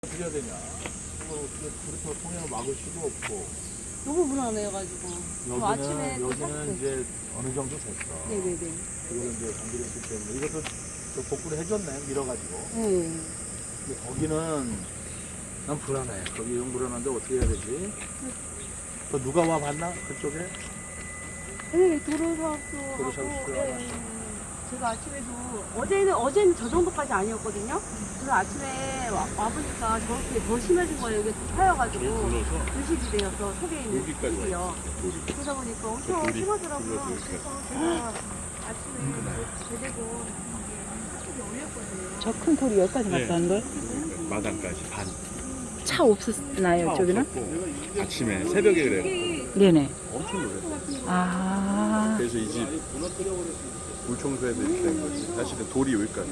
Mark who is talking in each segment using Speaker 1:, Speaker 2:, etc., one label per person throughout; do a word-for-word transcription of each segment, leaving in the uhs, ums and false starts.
Speaker 1: 어떻게 해야 되냐? 그걸 어떻게 그렇게 통행을 막을 수도 없고.
Speaker 2: 너무 불안해가지고.
Speaker 1: 여기는
Speaker 2: 아침에 또
Speaker 1: 여기는
Speaker 2: 샀어요.
Speaker 1: 이제 어느 정도 됐어.
Speaker 2: 네네네.
Speaker 1: 그거는 이제 정비를 했기 때문에 이것도 저 복구를 해줬네 밀어가지고.
Speaker 2: 네.
Speaker 1: 근데 거기는 난 불안해. 거기 영 불안한데 어떻게 해야 되지? 그 누가 와 봤나 그쪽에?
Speaker 2: 네, 도로사업소
Speaker 1: 도로사업소
Speaker 2: 하고.
Speaker 1: 알았어.
Speaker 2: 네. 제가 아침에도 어제는 어제는 저 정도까지 아니었거든요. 그래서 아침에 와, 와보니까 저렇게 더 심해진 거예요. 이게 파여가지고
Speaker 3: 불러서
Speaker 2: 의식이 되어서 속에 있는
Speaker 3: 여기까지 와
Speaker 2: 요
Speaker 3: 있어. 돌이.
Speaker 2: 그러다 보니까
Speaker 3: 저
Speaker 2: 엄청
Speaker 3: 돌이
Speaker 2: 심하더라고요.
Speaker 3: 불러서
Speaker 2: 그래서
Speaker 3: 이렇게.
Speaker 2: 제가 아침에 제대로 이렇게 올렸거든요.
Speaker 4: 저 큰 돌이 여기까지
Speaker 3: 네.
Speaker 4: 갔다는 걸?
Speaker 3: 마당까지 반.
Speaker 4: 차 없었나요, 저기는?
Speaker 3: 없었고 아침에 새벽에 그래요.
Speaker 4: 네네.
Speaker 3: 엄청 놀랐어.
Speaker 4: 아,
Speaker 3: 그래서 이 집 물청소해야 된 거지. 사실은 돌이 여기까지.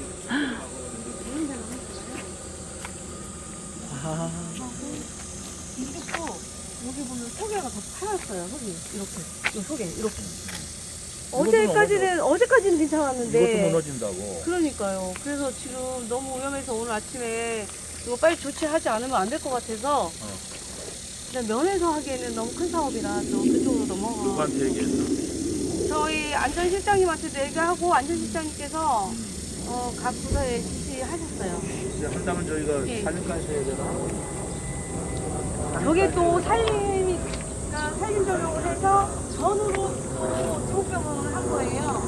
Speaker 4: 아,
Speaker 2: 이쪽도 여기 보면 소개가 더 파였어요. 속이 이렇게, 이 속에 이렇게. 어제까지는 어제까지는 괜찮았는데.
Speaker 1: 이것도 무너진다고.
Speaker 2: 그러니까요. 그래서 지금 너무 위험해서 오늘 아침에 이거 빨리 조치하지 않으면 안 될 것 같아서
Speaker 1: 어.
Speaker 2: 그냥 면에서 하기에는 너무 큰 사업이라 또 그쪽으로 넘어가.
Speaker 1: 누구한테 얘기했어?
Speaker 2: 저희 안전실장님한테도 얘기하고 안전실장님께서
Speaker 1: 음.
Speaker 2: 어, 각 부서에 지시하셨어요.
Speaker 1: 이제 한다면 저희가
Speaker 2: 예.
Speaker 1: 살림까지 해야 되나?
Speaker 2: 저게 또 살림, 그러니까 살림 전용을 해서 전으로 또 조병을 한 거예요.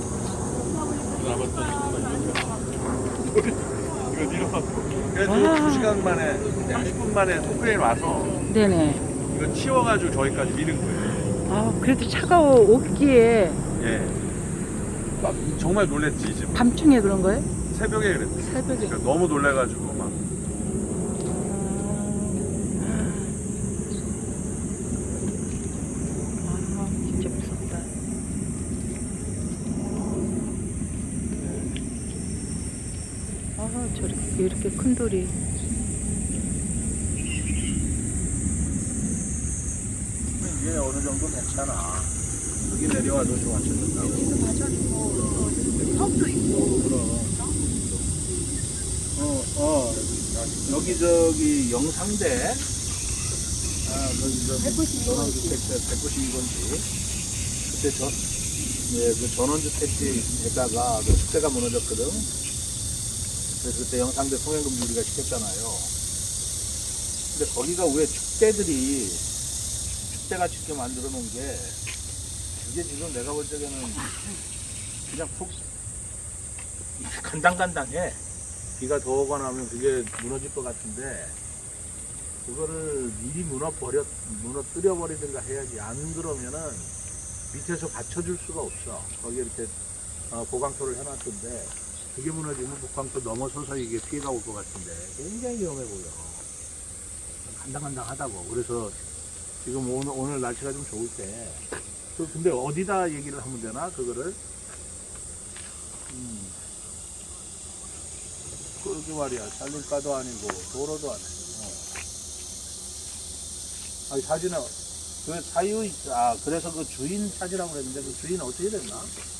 Speaker 3: 이거 밀어갖고.
Speaker 1: 그래도
Speaker 4: 와.
Speaker 1: 두 시간 만에, 삼십 분 만에 토크레인 와서
Speaker 4: 네네.
Speaker 3: 이거 치워가지고 저기까지 미는 거예요.
Speaker 4: 아, 그래도 차가 오기에
Speaker 3: 예. 막 정말 놀랬지 이 집.
Speaker 4: 밤중에 그런 거예요?
Speaker 3: 새벽에 그랬대.
Speaker 4: 새벽에.
Speaker 3: 그러니까 너무 놀래가지고 막.
Speaker 4: 아, 진짜 무섭다. 아, 저렇게, 이렇게 큰 돌이.
Speaker 1: 이게 어느 정도 괜찮아. 여기 내려와도 좀 맞춰준다고.
Speaker 2: 여기도 맞춰주고 또 턱도 있고.
Speaker 1: 그럼. 어, 어, 여기 저기 영상대. 아, 거기 저
Speaker 2: 백구십이 번 지.
Speaker 1: 전원주택 백구십이 번지. 그때 전, 예, 그 전원주택지에다가 그 축대가 무너졌거든. 그래서 그때 영상대 통행금지 우리가 시켰잖아요. 근데 거기가 왜 축대들이 축대가 쉽게 만들어 놓은 게 이게 지금 내가 볼 적에는 그냥 푹 간당간당해. 비가 더 오거나 하면 그게 무너질 것 같은데 그거를 미리 무너버려, 무너뜨려 버리든가 해야지. 안 그러면은 밑에서 받쳐줄 수가 없어. 거기에 이렇게 어, 보강토를 해놨던데 그게 무너지면 보강토 넘어서서 이게 피해가 올 것 같은데 굉장히 위험해 보여. 간당간당하다고. 그래서 지금 오늘, 오늘 날씨가 좀 좋을 때 그 근데 어디다 얘기를 하면 되나 그거를? 음. 그러게 말이야. 살림가도 아니고 도로도 아니고. 어. 아니 사진은 그 사유 아 그래서 그 주인 찾으라고 그랬는데 그 주인 어떻게 됐나?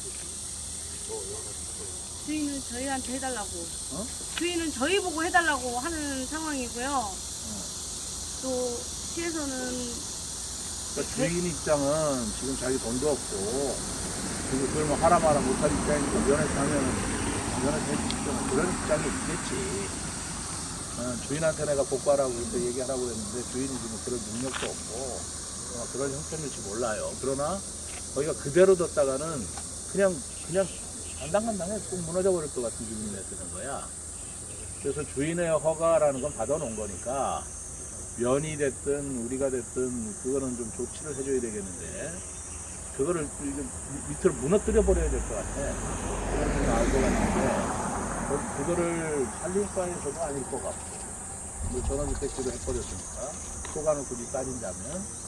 Speaker 2: 주인은 저희한테 해달라고.
Speaker 1: 어?
Speaker 2: 주인은 저희 보고 해달라고 하는 상황이고요. 또 시에서는
Speaker 1: 그러니까 주인 입장은 지금 자기 돈도 없고 그리고 그걸 뭐 하라 마라 못할 입장이니까 면에서 하면은 면에서 해주시면 그런 입장이 있겠지. 어, 주인한테 내가 복구하라고 그때 얘기하라고 했는데 주인이 지금 그런 능력도 없고 어, 그런 형편일지 몰라요. 그러나 거기가 그대로 뒀다가는 그냥 그냥 간당간당해 꼭 무너져 버릴 것 같은 기분이 드는 거야. 그래서 주인의 허가라는 건 받아놓은 거니까 면이 됐든 우리가 됐든 그거는 좀 조치를 해줘야 되겠는데 그거를 좀 밑으로 무너뜨려 버려야 될 것 같아. 그런 좀 나을 것 같은데 그- 그거를 살림과에서도 아닐 것 같고 뭐 전원주택지로 해버렸으니까 소관을 굳이 따진다면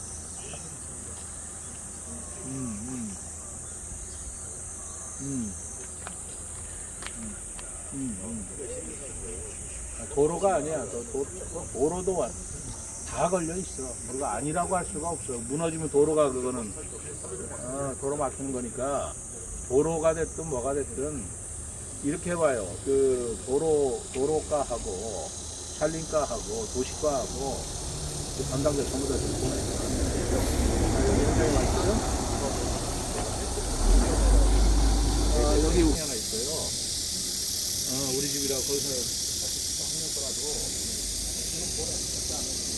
Speaker 1: 음, 음. 음. 음, 음, 음. 아, 도로가 아니야. 도, 도, 도로도 와. 다 걸려 있어. 우리가 아니라고 할 수가 없어. 무너지면 도로가 그거는 어, 도로 막히는 거니까 도로가 됐든 뭐가 됐든 이렇게 봐요. 그 도로 도로가하고 산림과하고 도시과하고 그 담당자 전부 다좀 보내요. 자, 여기 현장에 와 있어요? 아, 여기 하나 있어요. 어, 우리 집이라 거기서